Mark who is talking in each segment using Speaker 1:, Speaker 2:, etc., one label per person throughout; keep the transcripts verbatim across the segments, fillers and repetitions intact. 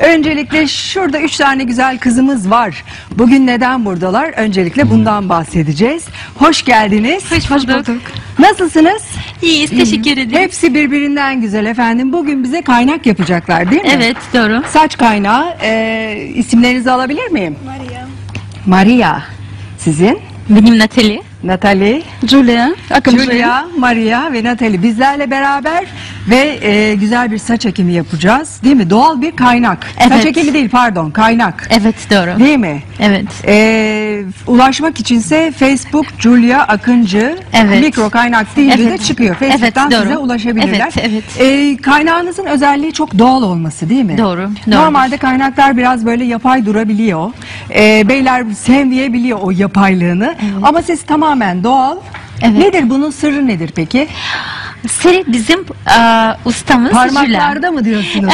Speaker 1: Öncelikle şurada üç tane güzel kızımız var. Bugün neden buradalar? Öncelikle bundan bahsedeceğiz. Hoş geldiniz.
Speaker 2: Hoş bulduk.
Speaker 1: Nasılsınız?
Speaker 2: İyiyiz, teşekkür ederim.
Speaker 1: Hepsi birbirinden güzel efendim. Bugün bize kaynak yapacaklar değil mi?
Speaker 2: Evet, doğru.
Speaker 1: Saç kaynağı. Ee, isimlerinizi alabilir miyim?
Speaker 3: Maria.
Speaker 1: Maria. Sizin?
Speaker 2: Benim Natalie.
Speaker 1: Natalie,
Speaker 3: Julia.
Speaker 1: Julia, Maria ve Natalie bizlerle beraber ve e, güzel bir saç ekimi yapacağız. Değil mi? Doğal bir kaynak.
Speaker 2: Evet.
Speaker 1: Saç ekimi değil pardon, kaynak.
Speaker 2: Evet, doğru.
Speaker 1: Değil mi?
Speaker 2: Evet.
Speaker 1: E, ulaşmak içinse Facebook Julia Akıncı
Speaker 2: Evet.
Speaker 1: mikro kaynak deyince
Speaker 2: Evet.
Speaker 1: de çıkıyor. Facebook'tan
Speaker 2: Evet,
Speaker 1: size
Speaker 2: doğru.
Speaker 1: ulaşabilirler.
Speaker 2: Evet, evet.
Speaker 1: E, kaynağınızın özelliği çok doğal olması değil mi?
Speaker 2: Doğru, doğru.
Speaker 1: Normalde kaynaklar biraz böyle yapay durabiliyor. E, beyler sevmeyebiliyor o yapaylığını. Ama siz tamamen doğal.
Speaker 2: Evet.
Speaker 1: Nedir bunun sırrı nedir peki?
Speaker 2: Seri bizim uh, ustamız Julia.
Speaker 1: Parmaklarda mı diyorsunuz?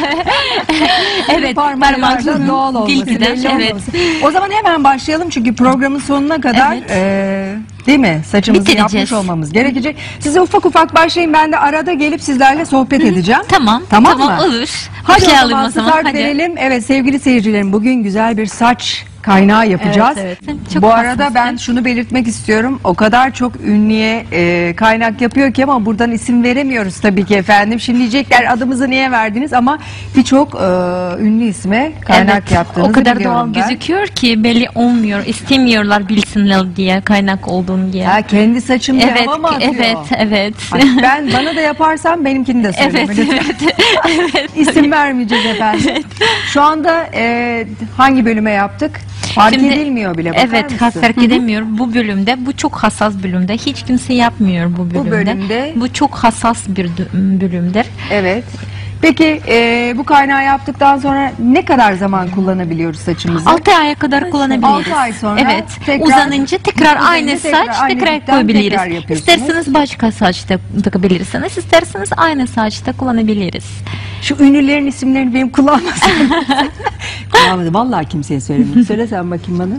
Speaker 2: Evet,
Speaker 1: Parmaklarda
Speaker 2: parmakların
Speaker 1: doğal olması,
Speaker 2: bilgiden,
Speaker 1: belli
Speaker 2: evet.
Speaker 1: olmaması. O zaman hemen başlayalım çünkü programın sonuna kadar
Speaker 2: Evet.
Speaker 1: e, değil mi? Saçımızı
Speaker 2: Bitireceğiz.
Speaker 1: yapmış olmamız gerekecek. Size ufak ufak başlayın. Ben de arada gelip sizlerle sohbet edeceğim.
Speaker 2: Tamam,
Speaker 1: Tamam,
Speaker 2: tamam
Speaker 1: mı?
Speaker 2: olur.
Speaker 1: Hadi o
Speaker 2: Başlayalım
Speaker 1: zaman,
Speaker 2: o zaman.
Speaker 1: start
Speaker 2: Hadi.
Speaker 1: verelim. Evet sevgili seyircilerim bugün güzel bir saç kaynağı yapacağız.
Speaker 2: Evet, evet. Çok
Speaker 1: Bu
Speaker 2: hassas,
Speaker 1: arada ben
Speaker 2: evet.
Speaker 1: şunu belirtmek istiyorum. O kadar çok ünlüye e, kaynak yapıyor ki ama buradan isim veremiyoruz tabii ki efendim. Şimdi diyecekler adımızı niye verdiniz ama birçok e, ünlü isme kaynak
Speaker 2: Evet,
Speaker 1: yaptığınızı
Speaker 2: o kadar
Speaker 1: biliyorum
Speaker 2: doğal
Speaker 1: ben.
Speaker 2: gözüküyor ki belli olmuyor. İstemiyorlar bilsinler diye, kaynak olduğunu diye.
Speaker 1: Ha, kendi saçım diye
Speaker 2: Evet,
Speaker 1: hava mı atıyor?
Speaker 2: evet, evet.
Speaker 1: Ay, ben bana da yaparsam benimkini de söyleme
Speaker 2: Evet,
Speaker 1: lütfen.
Speaker 2: evet, evet.
Speaker 1: İsim vermeyeceğiz efendim. Şu anda e, hangi bölüme yaptık? Fark
Speaker 2: Şimdi-
Speaker 1: edilmiyor bile. Bakar
Speaker 2: Evet,
Speaker 1: mısın?
Speaker 2: fark edemiyor. Bu bölümde, bu çok hassas bölümde. Hiç kimse yapmıyor bu bölümde.
Speaker 1: bölümde-
Speaker 2: Bu çok hassas bir dö- bölümdür.
Speaker 1: Evet. Peki e, bu kaynağı yaptıktan sonra ne kadar zaman kullanabiliyoruz saçımızı?
Speaker 2: altı aya kadar kullanabiliriz.
Speaker 1: altı ay sonra
Speaker 2: Evet.
Speaker 1: tekrar-
Speaker 2: uzanınca tekrar
Speaker 1: uzanınca
Speaker 2: aynı
Speaker 1: tekrar
Speaker 2: saç
Speaker 1: aynı
Speaker 2: tekrar
Speaker 1: dipten
Speaker 2: koyabiliriz.
Speaker 1: tekrar yapıyorsunuz.
Speaker 2: İsterseniz başka saçta takabilirsiniz. İsterseniz aynı saçta kullanabiliriz.
Speaker 1: Şu ünlülerin isimlerini benim kullanmasın. Kullanmadım. Vallahi kimseye söylemedim. Söyle sen bakayım bana.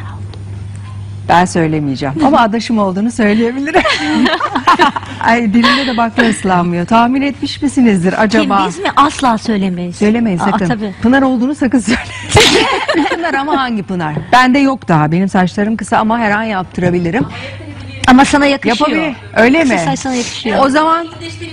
Speaker 1: Ben söylemeyeceğim. Ama adaşım olduğunu söyleyebilirim. Ay dilinde de bakla ıslanmıyor. Tahmin etmiş misinizdir acaba?
Speaker 2: Kim biz mi? Asla söylemeyiz.
Speaker 1: Söylemeyin
Speaker 2: Aa,
Speaker 1: sakın.
Speaker 2: tabii.
Speaker 1: Pınar olduğunu sakın söylemeyin. Pınar ama hangi Pınar? Bende yok daha. Benim saçlarım kısa ama her an yaptırabilirim.
Speaker 2: Ama sana yakışıyor.
Speaker 1: Yapabilir. Öyle mi?
Speaker 2: Kısa saç sana yakışıyor.
Speaker 1: O zaman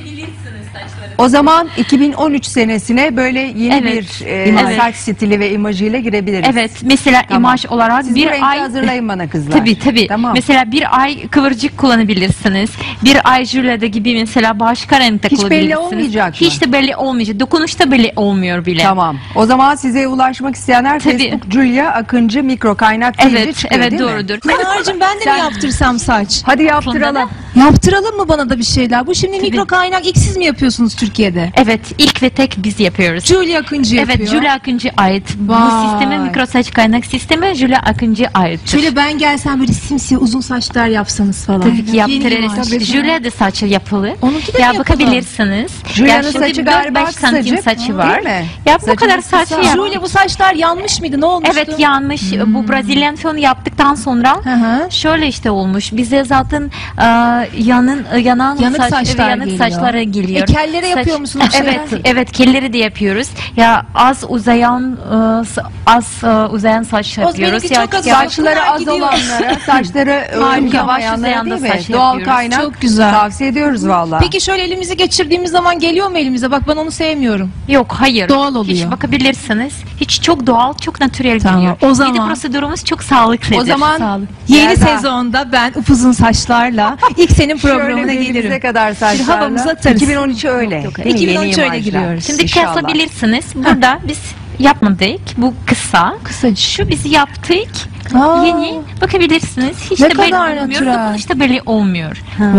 Speaker 1: o zaman iki bin on üç senesine böyle yeni
Speaker 2: Evet.
Speaker 1: bir e,
Speaker 2: Evet.
Speaker 1: saç stili ve imajıyla girebiliriz.
Speaker 2: Evet, mesela
Speaker 1: Tamam.
Speaker 2: imaj olarak
Speaker 1: Siz bu
Speaker 2: bir
Speaker 1: rengi
Speaker 2: ay
Speaker 1: hazırlayın bana kızlar.
Speaker 2: Tabii tabii.
Speaker 1: Tamam.
Speaker 2: Mesela bir ay kıvırcık kullanabilirsiniz. Bir ay jülede gibi mesela başka renkte
Speaker 1: Hiç belli
Speaker 2: kullanabilirsiniz.
Speaker 1: olmayacak mı?
Speaker 2: Hiç de belli olmayacak. Dokunuşta belli olmuyor bile.
Speaker 1: Tamam. O zaman size ulaşmak isteyenler
Speaker 2: Tabii.
Speaker 1: Facebook Julia Akıncı mikro kaynak deyince
Speaker 2: Evet,
Speaker 1: çıkıyor
Speaker 2: evet
Speaker 1: değil mi?
Speaker 2: doğrudur.
Speaker 3: Pınar'cığım ben de
Speaker 1: Sen-
Speaker 3: mi yaptırsam saç?
Speaker 1: Hadi yaptıralım.
Speaker 3: Yaptıralım mı bana da bir şeyler? Bu şimdi mikro kaynak ilk siz mi yapıyorsunuz Türkiye'de?
Speaker 2: Evet, ilk ve tek biz yapıyoruz.
Speaker 3: Julia Akıncı yapıyor.
Speaker 2: Evet, Julia Akıncı ait. Bu
Speaker 3: Vay.
Speaker 2: sisteme mikro saç kaynak sistemi Julia Akıncı aittir.
Speaker 3: Şöyle ben gelsem böyle simsiyah uzun saçlar yapsanız falan.
Speaker 2: Tabii ki
Speaker 3: Yeni
Speaker 2: yaptırırız.
Speaker 3: imaj.
Speaker 2: Julia da saçı yapılı.
Speaker 3: Onunki de mi
Speaker 2: Ya
Speaker 3: yapalım?
Speaker 2: bakabilirsiniz.
Speaker 1: Julia'nın
Speaker 2: Ya şimdi
Speaker 1: saçı
Speaker 2: dört
Speaker 1: galiba
Speaker 2: beş santim
Speaker 1: kısacık,
Speaker 2: saçı
Speaker 1: hı,
Speaker 2: var.
Speaker 1: değil mi?
Speaker 2: Ya bu
Speaker 1: Saçınız
Speaker 2: kadar saçı
Speaker 1: kısa.
Speaker 2: yap.
Speaker 3: Julia bu saçlar yanmış mıydı? Ne olmuştu?
Speaker 2: Evet yanlış. Bu Brazilian fön yaptıktan sonra
Speaker 3: Hı hı.
Speaker 2: şöyle işte olmuş. Bize zaten e, yanın yanan
Speaker 3: Yanık
Speaker 2: saç,
Speaker 3: saçlar
Speaker 2: yanık
Speaker 3: geliyor.
Speaker 2: saçlara geliyor.
Speaker 3: E, kellere yapıyor musunuz
Speaker 2: Evet,
Speaker 3: şeyler?
Speaker 2: evet kelleri de yapıyoruz. Ya az uzayan e, s- az e, uzayan saç
Speaker 3: O
Speaker 2: yapıyoruz.
Speaker 3: benimki
Speaker 2: Ya,
Speaker 3: çok az
Speaker 2: ya-
Speaker 1: Saçları
Speaker 3: Pınar
Speaker 1: az
Speaker 3: gidiyor.
Speaker 1: olanlara, saçları
Speaker 2: Harika,
Speaker 1: uygulayamayanlara
Speaker 2: yavaş
Speaker 1: değil
Speaker 2: uzayan da
Speaker 1: mi?
Speaker 2: saç
Speaker 1: Doğal
Speaker 2: yapıyoruz.
Speaker 1: kaynak
Speaker 3: Çok güzel.
Speaker 1: tavsiye ediyoruz valla.
Speaker 3: Peki şöyle elimizi geçirdiğimiz zaman geliyor mu elimize? Bak ben onu sevmiyorum.
Speaker 2: Yok hayır.
Speaker 3: Doğal oluyor.
Speaker 2: Hiç bakabilirsiniz. Hiç çok doğal, çok natürel
Speaker 3: Tamam,
Speaker 2: geliyor.
Speaker 3: o
Speaker 2: Bir de
Speaker 3: zaman-
Speaker 2: prosedürümüz çok sağlıklıdır.
Speaker 1: O zaman
Speaker 3: Sağ olun. Yeni
Speaker 1: Yerda.
Speaker 3: sezonda ben upuzun saçlarla ilk senin programına
Speaker 1: şöyle
Speaker 3: gelirim.
Speaker 1: denize kadar saçlarla.
Speaker 3: havamızı atarız.
Speaker 1: iki bin on üç öyle.
Speaker 2: Yok, yok,
Speaker 1: değil mi?
Speaker 3: iki bin on üç
Speaker 1: Yeni
Speaker 3: öyle
Speaker 1: imajlar.
Speaker 3: giriyoruz.
Speaker 2: Şimdi
Speaker 1: İnşallah.
Speaker 2: kesabilirsiniz. Burada biz yapmadık. Bu kısa.
Speaker 3: Kısacık.
Speaker 2: Şu biz yaptık.
Speaker 3: Aa.
Speaker 2: Yeni bakabilirsiniz. Hiç
Speaker 3: Ne
Speaker 2: de belli
Speaker 3: kadar
Speaker 2: olmuyor.
Speaker 3: natürel.
Speaker 2: Dokunuşta belli olmuyor.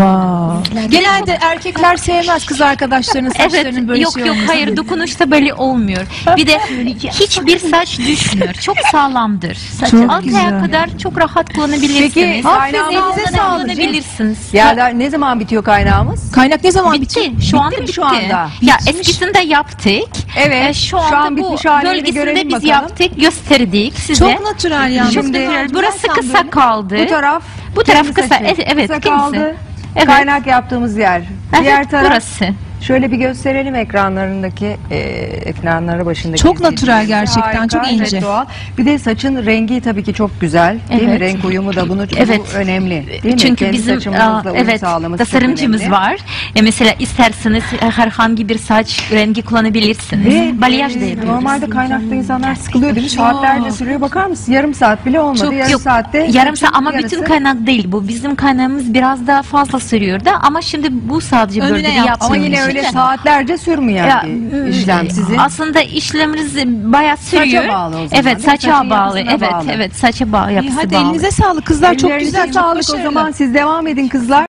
Speaker 3: Wow. Genelde erkekler sevmez kız arkadaşlarının saçlarının
Speaker 2: Evet,
Speaker 3: böyle
Speaker 2: yok
Speaker 3: şey
Speaker 2: yok
Speaker 3: olmasını.
Speaker 2: hayır dokunuşta belli olmuyor. Bir de hiçbir saç düşmüyor. Çok sağlamdır.
Speaker 3: Çok
Speaker 2: Altı
Speaker 3: güzel.
Speaker 2: aya kadar çok rahat kullanabilirsiniz.
Speaker 1: Peki,
Speaker 2: Hafif
Speaker 1: kaynağımız
Speaker 2: elinize
Speaker 1: ne sağlık?
Speaker 2: kullanabilirsiniz.
Speaker 1: Ya ne zaman bitiyor kaynağımız?
Speaker 3: Kaynak ne zaman
Speaker 2: Bitti.
Speaker 3: bitiyor?
Speaker 2: Şu anda
Speaker 1: mi
Speaker 2: bitti.
Speaker 1: şu anda?
Speaker 2: Ya
Speaker 3: Bitmiş.
Speaker 2: eskisinde yaptık.
Speaker 1: Evet,
Speaker 2: Ee, şu
Speaker 1: şu
Speaker 2: anda
Speaker 1: an
Speaker 2: bu
Speaker 1: bitmiş halini
Speaker 2: bölgesinde
Speaker 1: görelim
Speaker 2: biz
Speaker 1: bakalım.
Speaker 2: yaptık, gösterdik size.
Speaker 3: Çok natürel yani.
Speaker 2: Çok
Speaker 1: Şimdi-
Speaker 2: natürel.
Speaker 3: Güzel
Speaker 2: Burası
Speaker 3: sen
Speaker 2: kısa
Speaker 3: böyle.
Speaker 2: kaldı.
Speaker 1: Bu taraf
Speaker 2: Bu taraf
Speaker 1: kendi
Speaker 2: kısa.
Speaker 1: saçı.
Speaker 2: Evet, evet,
Speaker 1: Kısa
Speaker 2: kendisi.
Speaker 1: kaldı.
Speaker 2: Evet.
Speaker 1: Kaynak yaptığımız yer.
Speaker 2: Evet,
Speaker 1: Diğer taraf
Speaker 2: burası.
Speaker 1: Şöyle bir gösterelim ekranlarındaki e, ekranları başındaki.
Speaker 3: Çok natürel
Speaker 1: izleyicilerimize.
Speaker 3: gerçekten, çok
Speaker 1: evet,
Speaker 3: ince.
Speaker 1: doğal. Bir de saçın rengi tabii ki çok güzel. Değil mi?
Speaker 2: Evet.
Speaker 1: Renk uyumu da bunu
Speaker 2: Evet.
Speaker 1: bu önemli. Değil mi?
Speaker 2: Çünkü
Speaker 1: Kendi
Speaker 2: bizim
Speaker 1: saçımızla
Speaker 2: aa,
Speaker 1: uyum
Speaker 2: evet
Speaker 1: sağlaması çok
Speaker 2: tasarımcımız
Speaker 1: önemli.
Speaker 2: var. E, mesela isterseniz e, herhangi bir saç rengi kullanabilirsiniz.
Speaker 1: Ve
Speaker 2: Balyaj da
Speaker 1: e,
Speaker 2: yapıyoruz.
Speaker 1: normalde kaynakta insanlar sıkılıyor değil mi? Saatlerce sürüyor. Bakar mısın? Yarım saat bile olmadı.
Speaker 3: Çok-
Speaker 1: yarım
Speaker 2: Yok,
Speaker 1: saatte.
Speaker 2: yarım
Speaker 1: saçın
Speaker 2: saat ama
Speaker 1: yarısı-
Speaker 2: bütün kaynak değil bu. Bizim kaynağımız biraz daha fazla sürüyordu ama şimdi bu sadece
Speaker 3: Önüne
Speaker 2: bölgede
Speaker 3: yaptığımız
Speaker 2: yaptığımız
Speaker 1: Ama yine
Speaker 2: için
Speaker 1: öyle
Speaker 2: de-
Speaker 1: saatlerce sürmüyor
Speaker 2: Ya,
Speaker 1: bir işlem sizin.
Speaker 2: Aslında işlemimiz bayağı sürüyor.
Speaker 1: bağlı o zaman,
Speaker 2: Evet,
Speaker 1: değil mi?
Speaker 2: saça
Speaker 1: Saçın
Speaker 2: bağlı.
Speaker 1: yapısına
Speaker 2: Evet,
Speaker 1: bağlı.
Speaker 2: evet, saça bağlı,
Speaker 3: İyi,
Speaker 2: yapısı
Speaker 3: hadi
Speaker 2: bağlı.
Speaker 3: elinize sağlık kızlar, çok
Speaker 1: Ellerinize
Speaker 3: güzel, çok
Speaker 1: sağlık o
Speaker 3: başarılı.
Speaker 1: zaman. Siz devam edin kızlar.